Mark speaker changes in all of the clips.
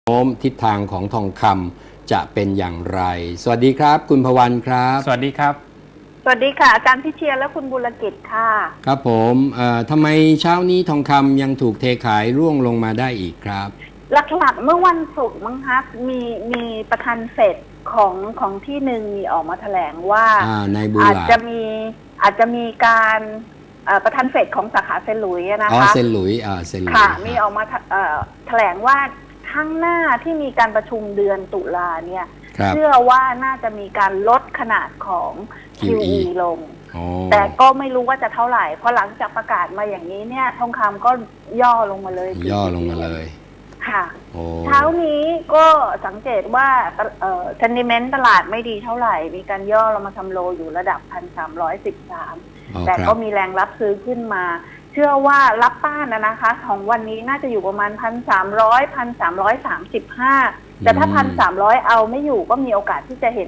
Speaker 1: โน้มทิศทางของทองคำจะเป็นอย่างไรสวัสดีครับคุณพวันครับ
Speaker 2: สวัสดีครับ
Speaker 3: สวัสดีค่ะอาจารย์พิเชียรและคุณบุรกิจค่ะ
Speaker 1: ครับผมทำไมเช้านี้ทองคำยังถูกเทขายร่วงลงมาได้อีกครับ
Speaker 3: หลักๆเมื่อวันศุกร์มั้งคะมีประธานเฟดของที่หนึ่งมีออกมาแถลงว่าอาจจะมีการประธานเฟดของสาขาเซนต์หลุยส์นะคะ
Speaker 1: เซนต์หลุยส์เซนต์หลุยส์
Speaker 3: ค่ะมีออกมาแถลงว่าข้างหน้าที่มีการประชุมเดือนตุลาเนี่ยเชื่อว่าน่าจะมีการลดขนาดของ QE ลงแต่ก็ไม่รู้ว่าจะเท่าไหร่เพราะหลังจากประกาศมาอย่างนี้เนี่ยทองคำก็ย่อลงมาเลยค่ะเช้านี้ก็สังเกตว่าsentiment ตลาดไม่ดีเท่าไหร่มีการย่อลงมาทำโลอยู่ระดับ 1,313 แต่ก็มีแรงรับซื้อขึ้นมาเชื่อว่ารับต้านนะคะของวันนี้น่าจะอยู่ประมาณ 1,300 1,335 แต่ถ้า 1,300 เอาไม่อยู่ก็มีโอกาสที่จะเห็น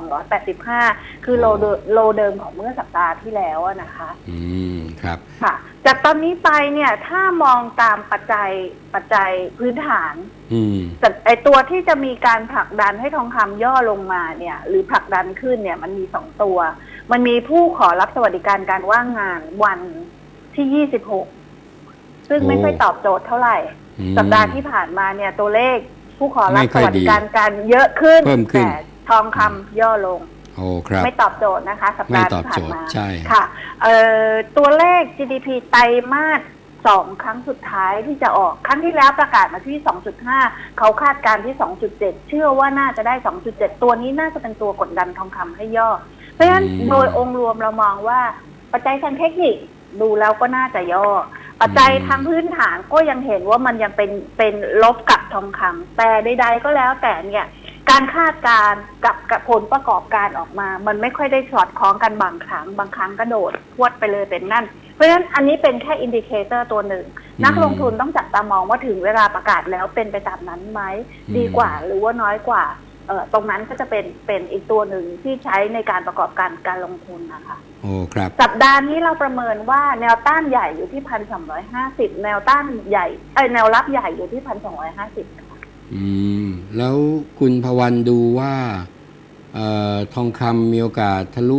Speaker 3: 1,285 คือโลเดิมของเมื่อสัปดาห์ที่แล้วนะคะ
Speaker 1: ครับ
Speaker 3: ค่ะจากตอนนี้ไปเนี่ยถ้ามองตามปัจจัยพื้นฐานไอตัวที่จะมีการผลักดันให้ทองคำย่อลงมาเนี่ยหรือผลักดันขึ้นเนี่ยมันมี2ตัวมันมีผู้ขอรับสวัสดิการการว่างงานวันที่26ซึ่งไม่ค่อยตอบโจทย์เท่าไหร่สัปดาห์ที่ผ่านมาเนี่ยตัวเลขผู้ขอรับสวัสดิการการเยอะขึ้นแต่ทองคำย่อลงไม่ตอบโจทย์นะคะสัปดาห์ที่ผ่านมาค่ะตัวเลข GDP ไตรมาส2ครั้งสุดท้ายที่จะออกครั้งที่แล้วประกาศมาที่ 2.5 เขาคาดการที่ 2.7 เชื่อว่าน่าจะได้ 2.7 ตัวนี้น่าจะเป็นตัวกดดันทองคำให้ย่อเพราะฉะนั้นโดยองค์รวมเรามองว่าปัจจัยทางเทคนิคดูแล้วก็น่าจะย่อปัจจัยทางพื้นฐานก็ยังเห็นว่ามันยังเป็นลบกับทองคำแต่ใดๆก็แล้วแต่เนี่ยการคาดการกับผลประกอบการออกมามันไม่ค่อยได้สอดคล้องกันบางครั้งกระโดดพวดไปเลยเป็นนั่นเพราะฉะนั้นอันนี้เป็นแค่อินดิเคเตอร์ตัวหนึ่งนักลงทุนต้องจับตามองว่าถึงเวลาประกาศแล้วเป็นไปตามนั้นไหมดีกว่าหรือว่าน้อยกว่าตรงนั้นก็จะเป็นอีกตัวหนึ่งที่ใช้ในการประกอบการลงทุนนะคะ
Speaker 1: โอ้ครับ
Speaker 3: สัปดาห์นี้เราประเมินว่าแนวต้านใหญ่อยู่ที่ 1,250 แนวต้านใหญ่แนวรับใหญ่อยู่ที่ 1,250 ค่ะ
Speaker 1: แล้วคุณพวันดูว่าทองคำมีโอกาสทะลุ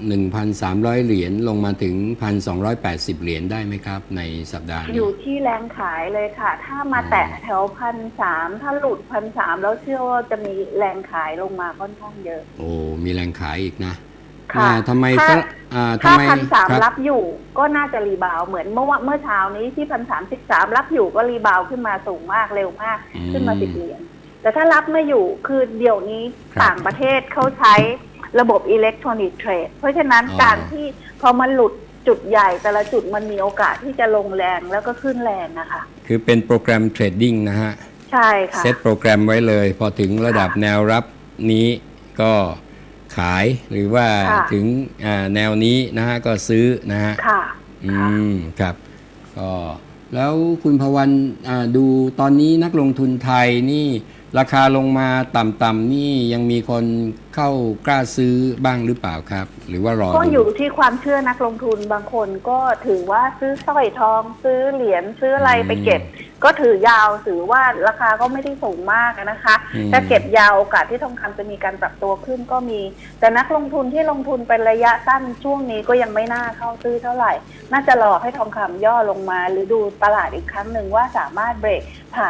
Speaker 1: 1,300 เหรียญลงมาถึง 1,280 เหรียญได้ไหมครับในสัปดาห์นี้
Speaker 3: อยู่ที่แรงขายเลยค่ะถ้ามาแตะแถว 1,300 ถ้าหลุด 1,300 แล้วเชื่อว่าจะมีแรงขายลงมาค่อนข้างเยอะ
Speaker 1: โอ้มีแรงขายอีกนะ
Speaker 3: ค่ะ
Speaker 1: ทำไม
Speaker 3: ถ้า 1,300 รับอยู่ก็น่าจะรีบาวเหมือนเมื่อเช้านี้ที่ 1,313 รับอยู่ก็รีบาวขึ้นมาสูงมากเร็วมากขึ้นมา10 เหรียญแต่ถ้ารับไม่อยู่คือเดี๋ยวนี้ต่างประเทศเขาใช้ระบบอิเล็กทรอนิกส์เทรดเพราะฉะนั้นการที่พอมันหลุดจุดใหญ่แต่ละจุดมันมีโอกาสที่จะลงแรงแล้วก็ขึ้นแรงนะคะ
Speaker 1: คือเป็นโปรแกรมเทรดดิ้งนะฮะ
Speaker 3: ใช่ค่ะ
Speaker 1: เซตโปรแกรมไว้เลยพอถึงระดับแนวรับนี้ก็ขายหรือว่าถึงแนวนี้นะฮะก็ซื้อนะฮะ
Speaker 3: ค่ะ
Speaker 1: ครับก็แล้วคุณพวันดูตอนนี้นักลงทุนไทยนี่ราคาลงมาต่ำๆนี่ยังมีคนเข้ากล้าซื้อบ้างหรือเปล่าครับหรือว่ารอ
Speaker 3: ก็อยู่ที่ความเชื่อนักลงทุนบางคนก็ถือว่าซื้อสร้อยทองซื้อเหรียญซื้ออะไรไปเก็บก็ถือยาวถือว่าราคาก็ไม่ได้สูงมากนะคะถ้าเก็บยาวโอกาสที่ทองคำจะมีการปรับตัวขึ้นก็มีแต่นักลงทุนที่ลงทุนเป็นระยะสั้นช่วงนี้ก็ยังไม่น่าเข้าซื้อเท่าไหร่น่าจะรอให้ทองคำย่อลงมาหรือดูตลาดอีกครั้งหนึ่งว่าสามารถเบรกผ่าน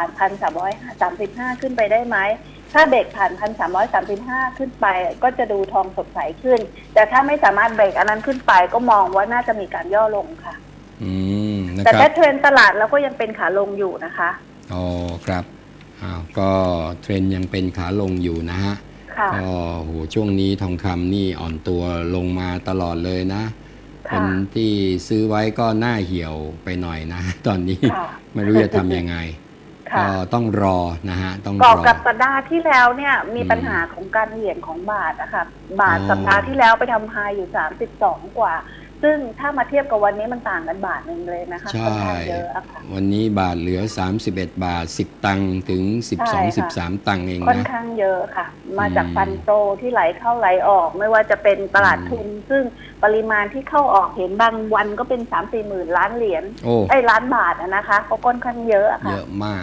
Speaker 3: 1,335 ขึ้นไปได้ไหมถ้าเบรกผ่าน 1,335 ขึ้นไปก็จะดูทองสดใสขึ้นแต่ถ้าไม่สามารถเบรกอันนั้นขึ้นไปก็มองว่าน่าจะมีการย่อลงค่ะแต่ถ้าเทรนตลาดแล้วก็ยังเป็นขาลงอยู่นะคะ
Speaker 1: อ๋อครับก็เทรนยังเป็นขาลงอยู่นะฮะก็โหช่วงนี้ทองคำนี่อ่อนตัวลงมาตลอดเลยนะคนที่ซื้อไว้ก็หน้าเหี่ยวไปหน่อยนะตอนนี้ไม่รู้จะทำยังไงก็ต้องรอนะฮะต้องรอ
Speaker 3: กับสัปดาห์ที่แล้วเนี่ยมีปัญหาของการเหวี่ยงของบาทนะคะบาทสัปดาห์ที่แล้วไปทำไฮอยู่32 กว่าซึ่งถ้ามาเทียบกับวันนี้มันต่างกันบาทนึงเลยนะคะ
Speaker 1: ค่อนข้างเยอะค่ะวันนี้บาทเหลือ31 บาท10 ตังค์ถึง12-13 ตังค์เองนะ
Speaker 3: ค่อนข้างเยอะค่ะมาจากฟันโตที่ไหลเข้าไหลออกไม่ว่าจะเป็นตลาดทุนซึ่งปริมาณที่เข้าออกเห็นบางวันก็เป็น 3-4 หมื่นล้านเหรียญล้านบาทนะคะก็ค่อนข้างเยอะค่ะ
Speaker 1: เยอะมาก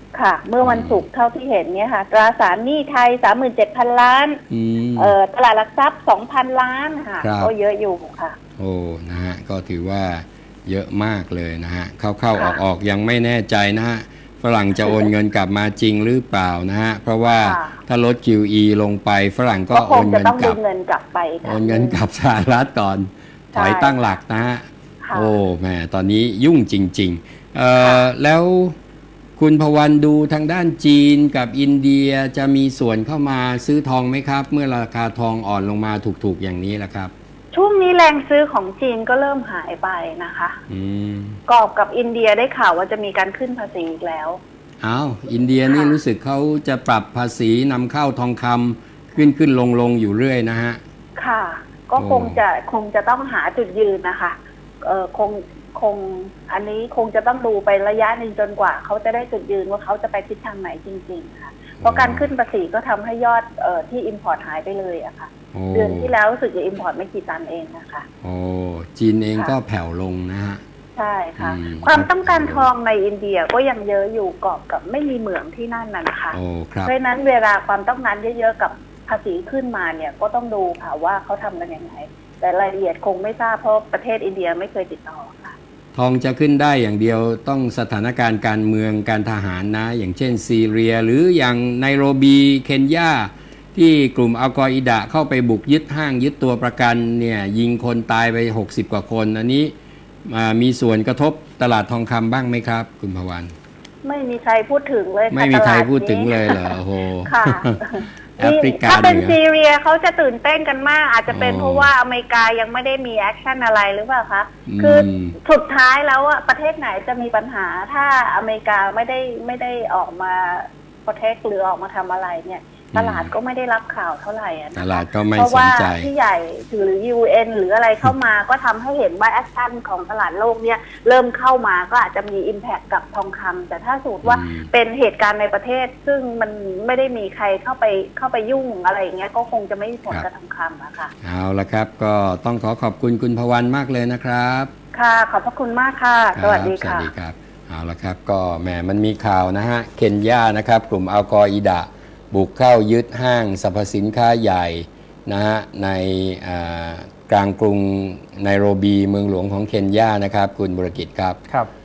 Speaker 3: ค่ะ เมื่อวันศุกร์เท่าที่เห็นเนี่ยค่ะตราสารหนี้ไทย 37,000 ล้านตลาดหลักทรัพย์ 2,000 ล้านค่ะก็เยอะอยู่ค่ะ
Speaker 1: โอ้นะฮะก็ถือว่าเยอะมากเลยนะฮะเข้าออกยังไม่แน่ใจนะฮะฝรั่งจะโอนเงินกลับมาจริงหรือเปล่านะฮะเพราะว่าถ้าลด QE ลงไปฝรั่งก็โอนเงินกลับโอนเงินกลับสหรัฐก่อนถอยตั้งหลักนะฮะโอ้แม่ตอนนี้ยุ่งจริงๆแล้วคุณพวันดูทางด้านจีนกับอินเดียจะมีส่วนเข้ามาซื้อทองไหมครับเมื่อราคาทองอ่อนลงมาถูกๆอย่างนี้แหละครับ
Speaker 3: ช่วงนี้แรงซื้อของจีนก็เริ่มหายไปนะคะกอบกับอินเดียได้ข่าวว่าจะมีการขึ้นภาษีอีกแล้ว
Speaker 1: อ้าวอินเดียนี่รู้สึกเขาจะปรับภาษีนำเข้าทองคำขึ้นลงอยู่เรื่อยนะฮะ
Speaker 3: ค่ะก็คงจะต้องหาจุดยืนนะคะคงอันนี้คงจะต้องดูไประยะหนึ่งจนกว่าเขาจะได้จุดยืนว่าเขาจะไปทิศทางไหนจริงๆค่ะเพราะการขึ้นภาษีก็ทำให้ยอดที่อิมพอร์ตหายไปเลยอะค่ะเดือนที่แล้วรู้สึกจะอิมพอร์ตไม่กี่ตันเองนะคะ
Speaker 1: โอ้จีนเองก็แผ่วลงนะฮะ
Speaker 3: ใช่ค่ะความต้องการทองในอินเดียก็ยังเยอะอยู่กอบกับไม่มีเหมืองที่นั่นนะคะเพราะฉะนั้นเวลาความต้องการเยอะๆกับภาษีขึ้นมาเนี่ยก็ต้องดูค่ะว่าเขาทำกันยังไงแต่รายละเอียดคงไม่ทราบเพราะประเทศอินเดียไม่เคยติดต่อค่ะ
Speaker 1: ทองจะขึ้นได้อย่างเดียวต้องสถานการณ์การเมืองการทหารนะอย่างเช่นซีเรียหรืออย่างไนโรบีเคนยาที่กลุ่มอัลกออิดะเข้าไปบุกยึดห้างยึดตัวประกันเนี่ยยิงคนตายไป60 กว่าคนอันนี้มีส่วนกระทบตลาดทองคำบ้างไหมครับคุณภวัน
Speaker 3: ไม่มีใครพูดถึงเลย
Speaker 1: ไม่มีใครพูดถึงเลยเหรอโห
Speaker 3: ค่ะแอฟริกาถ้าเป็นซีเรียเขาจะตื่นเต้นกันมากอาจจะเป็นเพราะว่าอเมริกายังไม่ได้มีแอคชั่นอะไรหรือเปล่าคะคือสุดท้ายแล้วอะประเทศไหนจะมีปัญหาถ้าอเมริกาไม่ได้ออกมาโปรเทคหรือออกมาทำอะไรเนี่ยตลาดก็ไม่ได้รับข่าวเท่าไหร่
Speaker 1: ตลาดก็ไม่
Speaker 3: สนใจเพราะ
Speaker 1: ว่า
Speaker 3: ที่ใหญ่หรือ UN หรืออะไรเข้ามาก็ทำให้เห็นว่าแอคชั่นของตลาดโลกเนี่ยเริ่มเข้ามาก็อาจจะมี impact กับทองคำแต่ถ้าสมมติว่าเป็นเหตุการณ์ในประเทศซึ่งมันไม่ได้มีใครเข้าไปยุ่งอะไรอย่างเงี้ยก็คงจะไม่มีผลกับทองคำอะค่ะ
Speaker 1: เอาละครับก็ต้องขอบคุณคุณพวันมากเลยนะครับ
Speaker 3: ค่ะขอบพระคุณมากค่ะสวัสดีค่ะ
Speaker 1: สวัสดีครับเอาละครับก็แหมมันมีข่าวนะฮะเคนยานะครับกลุ่มอัลกออิดะบุกเข้ายึดห้างสรรพสินค้าใหญ่นะฮะในกลางกรุงไนโรบีเมืองหลวงของเคนยานะครับคุณบุรกิจครับ